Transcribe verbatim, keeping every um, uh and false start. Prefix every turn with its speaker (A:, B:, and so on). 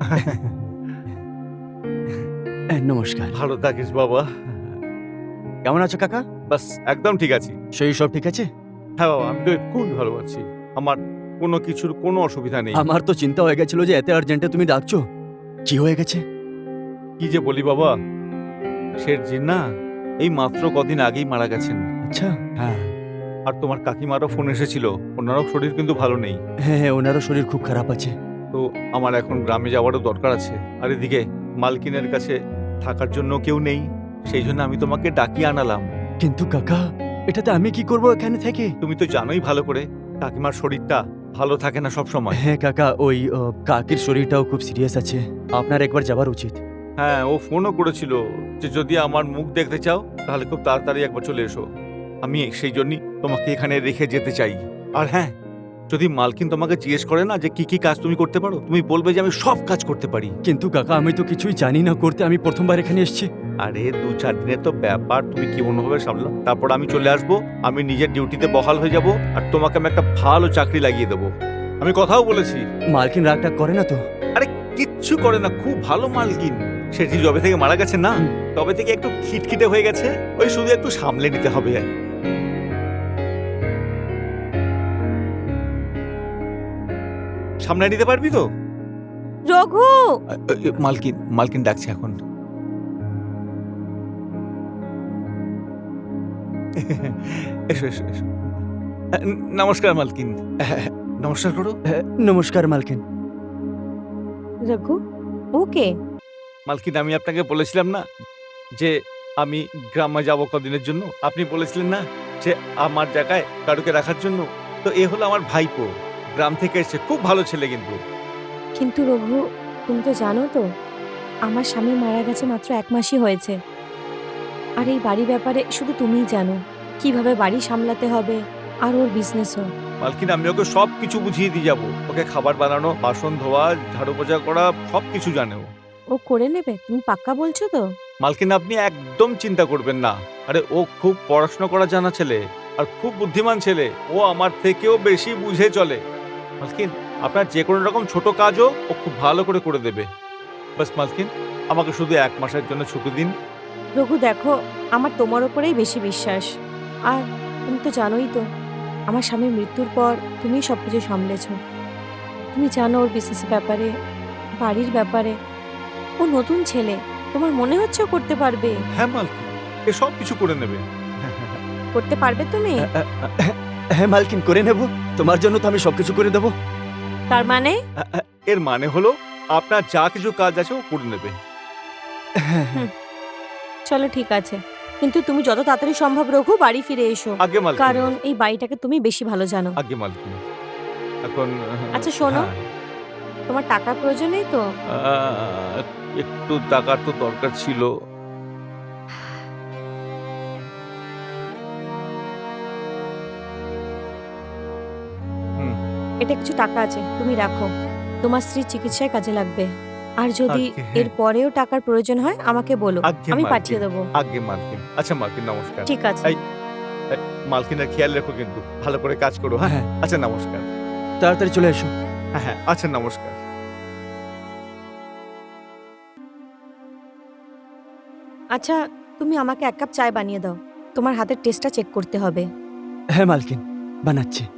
A: নমস্কার।
B: ভালো থাকিস বাবা।
A: কেমন আছো কাকা?
B: বাস একদম ঠিক আছি।
A: শরীর সব ঠিক আছে?
B: হ্যাঁ বাবা, আমি তো খুবই ভালো আছি। আমার কোনো কিছুর কোনো অসুবিধা নেই।
A: আমার তো চিন্তা হয়ে গেছিল যে এত আর্জেন্টে তুমি ডাকছো। কি হয়ে গেছে?
B: কি যে বলি বাবা, শেঠজি না এই মাত্র কদিন আগেই মারা গেছেন।
A: আচ্ছা।
B: হ্যাঁ, আর তোমার কাকিমারও ফোন এসেছিল। ওনারও শরীর কিন্তু ভালো নেই।
A: হ্যাঁ হ্যাঁ, ওনারও শরীর খুব খারাপ আছে।
B: তো আমার এখন গ্রামে যাওয়ারও দরকার আছে। আর এদিকে মালকিনের কাছে থাকার জন্য কেউ নেই। সেই জন্য আমি তোমাকে ডাকিয়ে আনালাম।
A: কিন্তু কাকা, এটাতে আমি কি করব এখানে থেকে?
B: তুমি তো জানোই ভালো করে কাকিমার শরীরটা ভালো থাকে না সব সময়।
A: হ্যাঁ কাকা, ওই ও, কাকির শরীরটাও খুব সিরিয়াস আছে। আপনার একবার যাওয়ার উচিত।
B: হ্যাঁ, ও ফোনও করেছিল যে যদি আমার মুখ দেখতে চাও তাহলে খুব তাড়াতাড়ি একবার চলে এসো। আমি সেই জন্যই তোমাকে এখানে রেখে যেতে চাই। আর হ্যাঁ, যদি মালকিন তোমাকে জিজ্ঞেস করে না যে কি কি কাজ তুমি করতে পারো, তুমি বলবে যে আমি সব কাজ করতে পারি।
A: কিন্তু কাকা, আমি তো কিছুই জানি না করতে। আমি প্রথমবার এখানে এসেছি।
B: আরে দু চার দিনের তো ব্যাপার, তুমি কি অন্যভাবে সামলাও। তারপর আমি চলে আসবো, আমি নিজের ডিউটিতে বহাল হয়ে যাব, আর তোমাকে আমি একটা ভালো চাকরি লাগিয়ে দেবো। আমি কথাও বলেছি।
A: মালকিন রাগটা করে না তো?
B: আরে কিচ্ছু করে না, খুব ভালো মালকিন। সেটি যবে থেকে মারা গেছে না,
A: হুম।
B: তবে থেকে একটু খিটখিটে হয়ে গেছে। ওই শুধু একটু সামলে নিতে হবে। সামলে নিতে পারবি তো?
C: রঘু,
B: আ, এ, মালকিন মালকিন ডাকছে এখন। এসো এসো এসো। আ, নমস্কার মালকিন। নমস্কার করো।
A: হ্যাঁ, নমস্কার মালকিন।
C: রঘু, ওকে।
B: মালকিন, আমি আপনাকে বলেছিলাম না যে আমি গ্রামে যাব কদিনের জন্য। আপনি বলেছিলেন না যে আমার জায়গায় কারুকে রাখার জন্য। তো এ হলো আমার ভাইপো, গ্রাম থেকে এসেছে, খুব ভালো ছেলে কিন্তু।
C: কিন্তু রঘু, তুমি তো জানো তো আমার স্বামী মারা গেছে মাত্র এক মাসই হয়েছে। আর এই বাড়ি ব্যাপারে শুধু তুমিই জানো কিভাবে বাড়ি সামলাতে হবে, আর ওর বিজনেসও।
B: মালকিন, আমি ওকে সব কিছু বুঝিয়ে দিয়ে যাবো। ওকে খাবার বানানো, বাসন ধোয়া, ঝাড়ু পোছা করা সব কিছু জানে ও।
C: ও করে নেবে, তুমি পাক্কা বলছো তো?
B: মালকিন, আপনি একদম চিন্তা করবেন না। আরে ও খুব পড়াশোনা করা জানা ছেলে, আর খুব বুদ্ধিমান ছেলে। ও আমার থেকেও বেশি বুঝে চলে। মালকিন, আপনার যে কোনো রকম ছোট কাজও ও খুব ভালো করে করে দেবে। বাস মালকিন, আমাকে শুধু এক মাসের জন্য ছুটি দিন।
C: রঘু দেখো, আমার তোমার ওপরেই বেশি বিশ্বাস। আর তুমি তো জানোই তো আমার স্বামীর মৃত্যুর পর তুমিই সব কিছু সামলেছো। তুমি জানো ওর বিজনেসের ব্যাপারে, বাড়ির ব্যাপারে। ও নতুন ছেলে, তোমার মনে হচ্ছে ও করতে পারবে?
B: হ্যাঁ মালকিন, এ সব কিছু করে নেবে।
C: করতে পারবে তুমি?
A: আ, আ, আ, হ্যাঁ মালকিন, করে নেব। তোমার জন্য তো আমি সবকিছু করে দেবো।
C: তার মানে
B: আ- আ- এর মানে হলো আপনার যা কিছু কাজ আছে ও করে নেবে।
A: হ্যাঁ হ্যাঁ।
C: হুম, চলো ঠিক আছে, কিন্তু তুমি যত তাড়াতাড়ি সম্ভব রঘু বাড়ি ফিরে এসো,
B: আগে মালকিন,
C: কারণ এই বাড়িটাকে তুমি বেশি ভালো জানো।
B: আগে মালকিন। এখন
C: আচ্ছা শোনো,
B: হ্যাঁ,
C: তোমার টাকার প্রয়োজন নেই তো?
B: আহ, একটু টাকার তো দরকার ছিল। হুম,
C: এটা কিছু টাকা আছে, তুমি রাখো, তোমার স্ত্রীর চিকিৎসায় কাজে লাগবে। আর যদি
B: আগে,
C: এর পরেও টাকার প্রয়োজন হয় আমাকে বলো,
B: আগে
C: আমি
B: মালকিন,
C: পাঠিয়ে দেবো।
B: আগে মালকিন। আচ্ছা মালকিন, নমস্কার।
C: ঠিক আছে।
B: এই, এই, মালকিনের খেয়াল রেখো কিন্তু, ভালো করে কাজ করো। হ্যাঁ,
A: হ্যাঁ।
B: আচ্ছা নমস্কার।
A: তাড়াতাড়ি চলে এসো।
B: হ্যাঁ হ্যাঁ, আচ্ছা নমস্কার।
C: আচ্ছা, তুমি আমাকে এক কাপ চায় বানিয়ে দাও, তোমার হাতের টেস্টটা চেক করতে হবে।
A: হ্যাঁ মালকিন, বানাচ্ছি।